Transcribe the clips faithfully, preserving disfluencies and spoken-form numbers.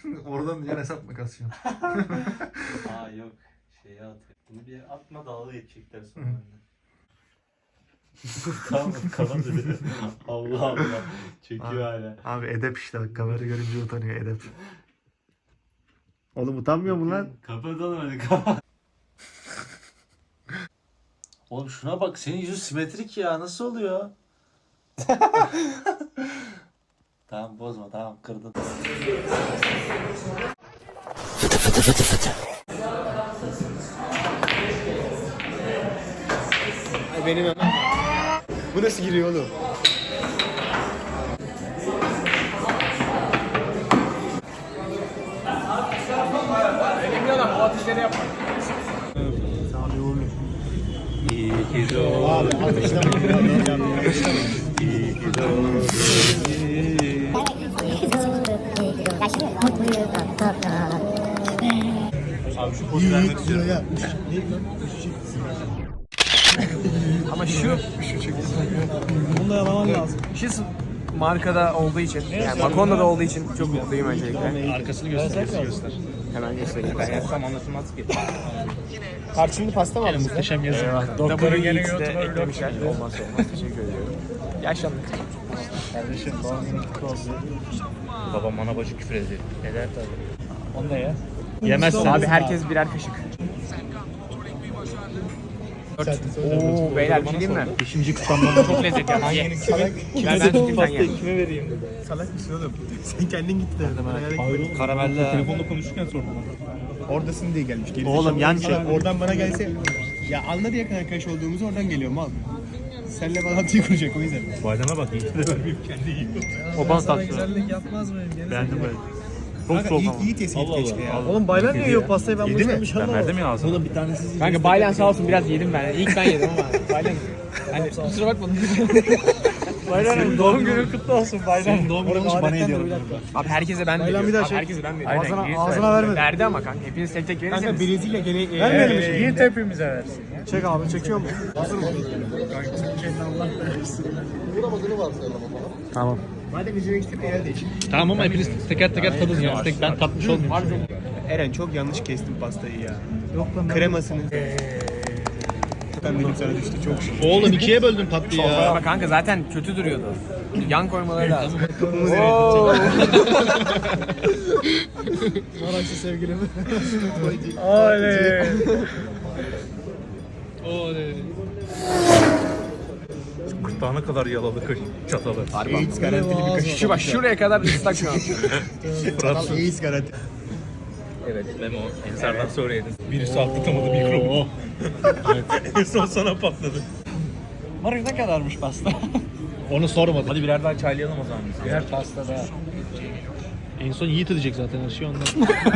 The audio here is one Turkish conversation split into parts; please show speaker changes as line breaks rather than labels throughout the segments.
Oradan yan hesap mı kasıyorsun?
Aa yok. Şeye atıyor. Bunu bir atma dalga geçecekler sonra benden. Tamam kalan dedi. Allah Allah. Çekiyor hala.
Abi edep işte bak, kamera görünce utanıyor, edep. Oğlum utanmıyor mu lan?
Kapatalım hadi kapat. Oğlum şuna bak, senin yüzün simetrik ya, nasıl oluyor? Tamam bozma, tamam kırdın. Fıtı fıtı fıtı fıtı.
Ay benim hemen. Bu nasıl giriyor oğlum? Elimli adam bu atışları yapma.
İyi ki doğdun. İyi ki doğdun. Abi şu pozu vermek istiyorum.
Ama şu bunu da yalaman lazım. Şu markada olduğu için, yani Macona'da olduğu için çok mutluyum öncelikle.
Arkasını göster, göster.
Hemen göstereyim.
Ben yazsam anlatılmaz ki.
Tarçınlı pasta mı aldınız?
Muhteşem yazı.
Doktorun gene YouTube'a eklemişler. Olmazsa olmaz. Teşekkür ediyorum. Yaşlandık.
Kardeşim doğum günün kutlu olsun. Babam bana bacı küfür ediyor. Eder tabii. Onu da ye. Yemezsen.
Abi herkes birer kaşık. Ooo beyler bir şey diyeyim mi?
Beşinci kutlamdan
Çok lezzetli yani. Ye. Ben ben tutayım sen ye.
Kime vereyim?
Salak mısın oğlum? Sen kendin git de.
Karamelli. Telefonla konuşurken sordum.
Oradasın diye gelmiş. Geri
Oğlum, yan
zekalı.
çek.
Oradan bana gelse ya anladı yakın arkadaş olduğumuzu, oradan geliyor mal. Senle bağlantıyı kuracak o yüzden.
Bademe bak, iyi de vermeyeyim, kendi yiyor. O bana tatlı.
Güzellik yapmaz mıyım?
Beğendim böyle. Çok soğuk ama.
İyi, iyi tespit keşke ya.
Oğlum Baylan niye yiyor pastayı, ben bunu
Yedi mi?
istemiş
Ben
ama.
verdim ya ağzına. Oğlum bir tanesi siz.
Kanka Baylan sağ olsun biraz yedim ben. İlk ben yedim ama Baylan. Hani kusura bakmadın.
Baylan'ın doğum günün kutlu olsun Baylan.
Senin doğum günün olmuş, bana hediye alın.
Abi herkese ben
Baylan
veriyorum.
bir daha
Abi
çek.
herkese ben veriyorum.
Ağzına,
Aynen,
ağzına vermedi.
Verdi ama kanka hepiniz tek tek verirseniz.
Kanka Brezilya gene
Vermeyelim
ee,
işte.
Yiğit hepimize versin ya. Çek abi, çekiyor mu? Hazır mı?
Tamam.
Madem üzerine gittim el değişik.
Tamam ama hepiniz teker teker tadın ya. Tek ben tatmış olmayayım.
Eren çok yanlış kestim pastayı ya.
Yok lan.
Kremasını. Ben benim sana düştü çok şükür.
Oğlum ikiye böldün tatlıyı ya.
Ama kanka zaten kötü duruyordu. Yan koymaları lazım.
Maraşlı sevgilim. Oley.
Oley. Kırtlağına kadar yalalı kaş çatalı.
AIDS garantili bir kaşık. Şu bak şuraya kadar ıslak şu an.
Fransız.
AIDS garanti.
Evet Memo. Ensardan sonra yedin. Birisi atlatamadı mikrobu. Evet. En son sana patladı.
Marif ne kadarmış pasta?
Onu sormadım. Hadi birer daha çaylayalım o zaman biz.
Birer pasta da.
En son Yiğit edecek zaten her şey ondan.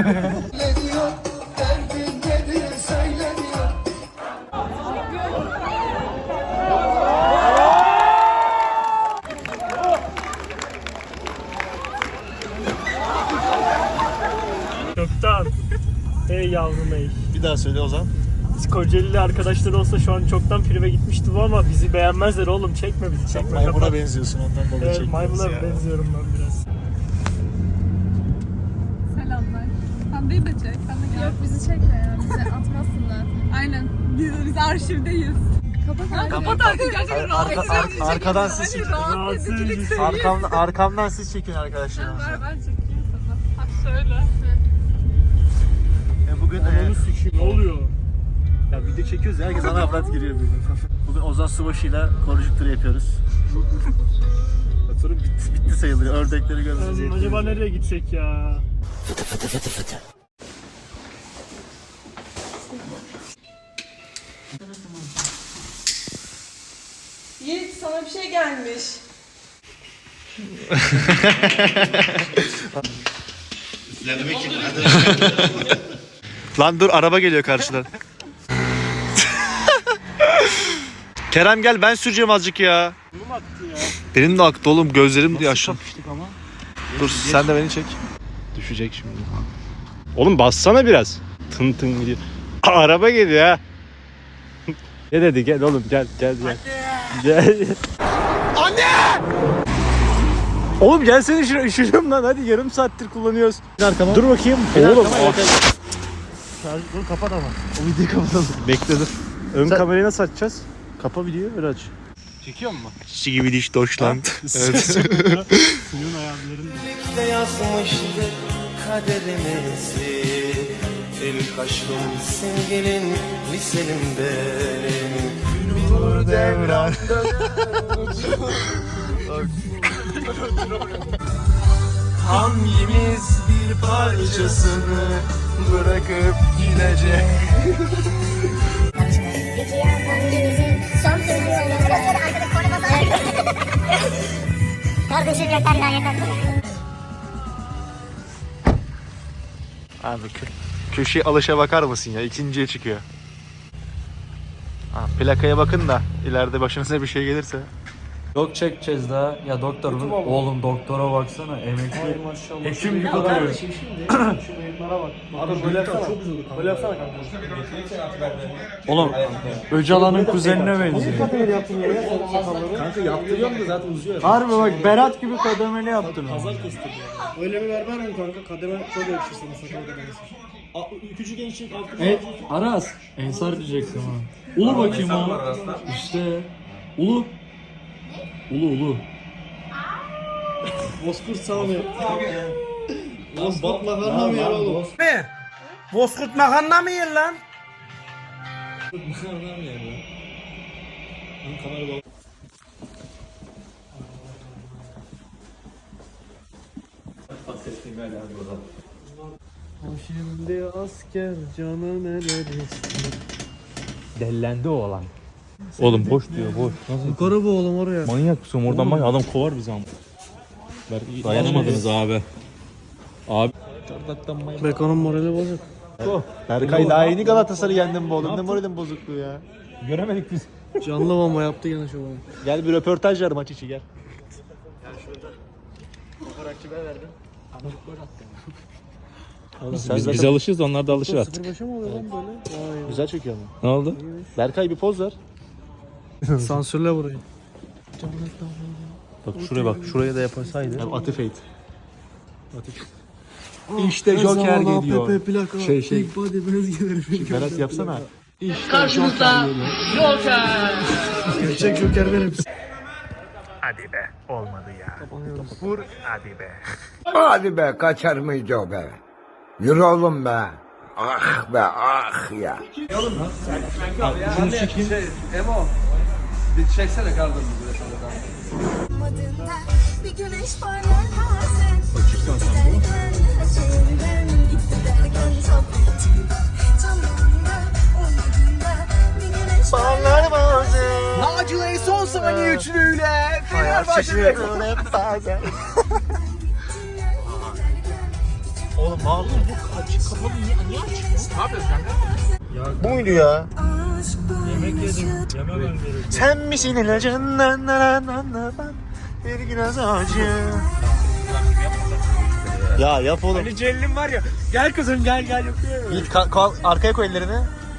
Çoktan. Ey yavrum ey.
Bir daha söyle o zaman.
Biz Kocaeli'li arkadaşlar olsa şu an çoktan prive gitmişti bu, ama bizi beğenmezler oğlum, çekme bizi, çekme.
Maymuna
kapat.
benziyorsun ondan dolayı
Evet,
çekmiyoruz
maymuna
ya.
benziyorum ben biraz.
Selamlar. Hande'yi de çek. Sen de gel. Yok bizi çekme ya. Bizi atmazsınlar. Aynen. Biz, biz arşivdeyiz. Kapat artık. Kapat artık. Gerçekten rahatsız edici.
arkadan siz çekin.
Rahatsız edicilik seviye.
Arkamdan, arkamdan siz çekin arkadaşlar.
Ver ben çekeyim sana. Ha şöyle.
E bugün
Ananı sikeyim, ne oluyor?
ya video çekiyoruz ya, herkes ana avrat giriyor bugün. Bugün Ozan Subaşı'yla konjüktür yapıyoruz. Sonra bitti, bitti sayılır. Ördekleri görmemiz
Lan,
yetiyor.
acaba nereye gitsek ya?
Yiğit sana bir şey gelmiş.
Lan dur, araba geliyor karşıdan. Kerem gel, ben süreceğim azıcık ya.
Bunu mu attı ya?
Benim de aktı oğlum, gözlerim diye aşağı.
Kapıştık ama.
Dur sen de beni çek. Düşecek şimdi. Oğlum bassana biraz. Tın tın gidiyor. Aa, araba geliyor ha. Ne dedi, gel oğlum gel gel gel. Gel. Oğlum gelsene şuraya, üşüdüm lan, hadi yarım saattir kullanıyoruz. Arkama. Dur bakayım. Oğlum.
Dur kapat ama.
O videoyu kapatalım. Bekle dur. Ön
Sen-
kamerayı nasıl açacağız? Kapa videoyu, öyle aç.
Çekiyor mu?
Çiçi gibi diş Deutschland. Evet.
Suyun ayarlarını.
Birlikte yazmıştık kaderimizi. İlk aşkım sevgilin, liselim benim. Nur devran hangimiz bir parçasını bırakıp gidecek?
Peki ya hangimizin son sözü olur? Arkada korna basar. Kardeşim yeter ya yeter.
Abi kö köşeye alışa bakar mısın ya? İkinciye çıkıyor. Ha, plakaya bakın da ileride başınıza bir şey gelirse.
Yok çekeceğiz daha. Ya doktor oğlum doktora baksana emekli. Hekim gibi duruyor.
Abi böyle yapsana. Çok güzel. Böyle yapsana kanka.
Oğlum Öcalan'ın kuzenine benziyor.
Kanka yaptırıyorum da zaten uzuyor.
Harbi bak Berat gibi kademeli yaptın.
Öyle mi ver vermem kanka. Kademe çok yakışır sana sakal kademesi. Küçük gençlik altı.
E, Aras. Ensar diyecektim ha. Ulu bakayım o. İşte. Ulu. Ulu ulu.
Bozkurt Sami. Bozkurt makarna mı yer oğlum?
Ne? Bozkurt makarna mı yer lan?
Şimdi asker canı neler istiyor.
Dellendi o olan.
Oğlum boş diyor, boş. Nasıl?
Yukarı bu oğlum oraya.
Manyak mısın? Oradan bak adam kovar bizi ama. Dayanamadınız abi. Abi.
Beko'nun morali bozuk.
Berkay daha yeni Galatasaray'ı yendim bu oğlum. Ne moralin bozukluğu ya. Göremedik biz.
Canlı bomba yaptı gene şu an.
Gel bir röportaj ver maç içi gel. Biz, biz, biz alışırız, onlar da alışır artık.
Sıfır beşe mi oluyor lan böyle? Vay.
Güzel çekiyor mu? Ne oldu? Berkay bir poz ver.
Sansürle burayı.
Bak şuraya bak, şuraya da yapasaydı. Atif Eğit. İşte Joker geliyor.
Pepe plaka.
Şey, şey.
Big body bez gelir.
Berat yapsana.
Karşınızda Joker.
Gerçek Joker benim.
Hadi be, olmadı ya. Vur, hadi be.
Hadi be kaçar mıydı o be? Yürü oğlum be. Ah be ah ya.
Bir güneş parlar bazen. Giderken şehirden gitti derken sohbetim. Canımda umudumda bir güneş parlar bazen.
Nacile'yi son saniye üçlüyle Fenerbahçe'de.
Oğlum bağlı bu açık kapalı niye, niye açık? Ne yapıyorsun kanka? Bu muydu ya?
Yemek yedim.
Yememem gerekiyor.
Sen misin ilacından ben bir biraz acı. Ya yap oğlum.
Hani Celil'in var ya. Gel kızım gel gel yapıyor.
Git ka- ka- arkaya koy ellerini.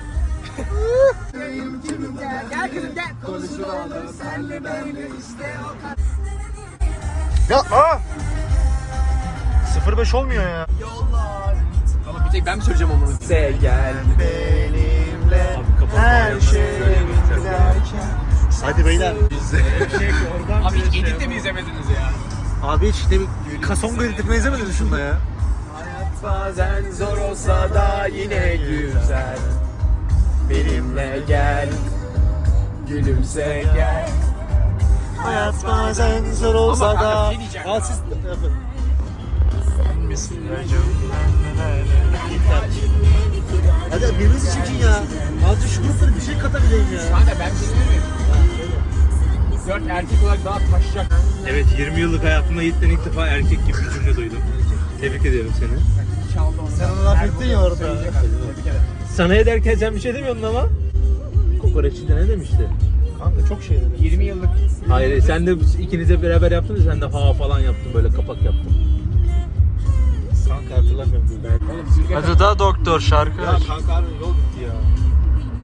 Gel kızım gel. Konuşalım senle böyle işte o kadar.
Ya aa! sıfır beş olmuyor ya.
Ama bir tek ben mi söyleyeceğim onu? Se gel
Benimle her şey giderken. Hadi beyler.
Abi hiç edit de mi izlemediniz ya?
Abi hiç de bir kasonga editini izlemedin şunda ya.
Hayat bazen zor olsa da yine güzel. Benimle gel. Gülümse gel.
Hayat bazen zor olsa
Ama kanka
da.
bir şey diyeceğim.
Al siz yapın. Hadi birbirinizi çekin ya. Azıcık şu gruplara bir şey katabileyim ya.
Kanka ben bir şey söyleyeyim mi? Dört erkek olarak daha taşacak.
Evet, yirmi yıllık hayatımda Yiğit'ten ilk defa erkek gibi bir cümle duydum. Tebrik ediyorum seni.
Sen onu laf ettin ya orada.
Sana ederken sen bir şey demiyordun ama. Kokoreççide ne demişti?
Kanka çok şey dedi.
yirmi yıllık.
Hayır, sen de ikinize beraber yaptınız, sen de ha falan yaptın, böyle kapak yaptın.
Kanka hatırlamıyorum.
Hadi da doktor şarkı.
Ya kanka abi yol bitti ya.